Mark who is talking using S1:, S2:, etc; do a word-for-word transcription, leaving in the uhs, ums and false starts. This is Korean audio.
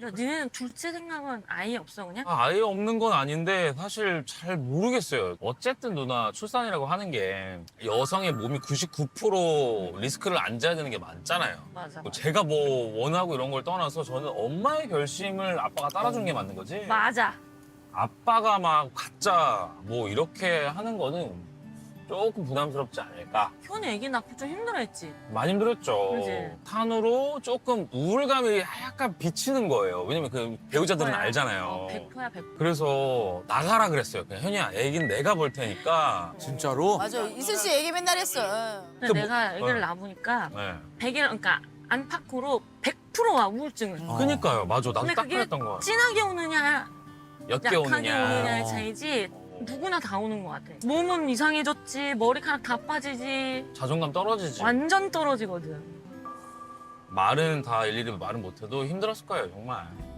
S1: 야, 니네는 둘째 생각은 아예 없어 그냥?
S2: 아, 아예 없는 건 아닌데 사실 잘 모르겠어요. 어쨌든 누나 출산이라고 하는 게 여성의 몸이 구십구 퍼센트 리스크를 안 져야 되는 게 맞잖아요.
S1: 맞아.
S2: 뭐 제가 뭐 원하고 이런 걸 떠나서 저는 엄마의 결심을 아빠가 따라주는 게 맞는 거지.
S1: 맞아.
S2: 아빠가 막 가짜 뭐 이렇게 하는 거는 조금 부담스럽지 않을까.
S1: 현이 애기 낳고 좀 힘들어했지.
S2: 많이 힘들었죠.
S1: 그지?
S2: 탄으로 조금 우울감이 약간 비치는 거예요. 왜냐면 그 배우자들은
S1: 백 퍼센트야.
S2: 알잖아요.
S1: 어, 백 퍼센트야 백 퍼센트.
S2: 그래서 나가라 그랬어요. 그냥 현이야, 애기는 내가 볼 테니까.
S3: 진짜로?
S4: 맞아. 이슬 씨 얘기 맨날 했어.
S1: 근데
S2: 그 뭐-
S1: 내가 애기를
S2: 네.
S1: 낳아보니까
S2: 네.
S1: 백 일 그러니까 안팎으로 백 퍼센트와 우울증을.
S3: 어.
S2: 그니까요. 맞아. 나도
S1: 근데
S2: 딱
S1: 그게
S2: 그랬던 거야.
S1: 진하게 오느냐
S2: 옅게
S1: 약하게
S2: 오느냐.
S1: 오느냐의
S3: 어.
S1: 차이지 누구나 다 오는 것 같아. 몸은 이상해졌지, 머리카락 다 빠지지,
S2: 자존감 떨어지지.
S1: 완전 떨어지거든.
S2: 말은 다 일일이 말은 못해도 힘들었을 거예요, 정말.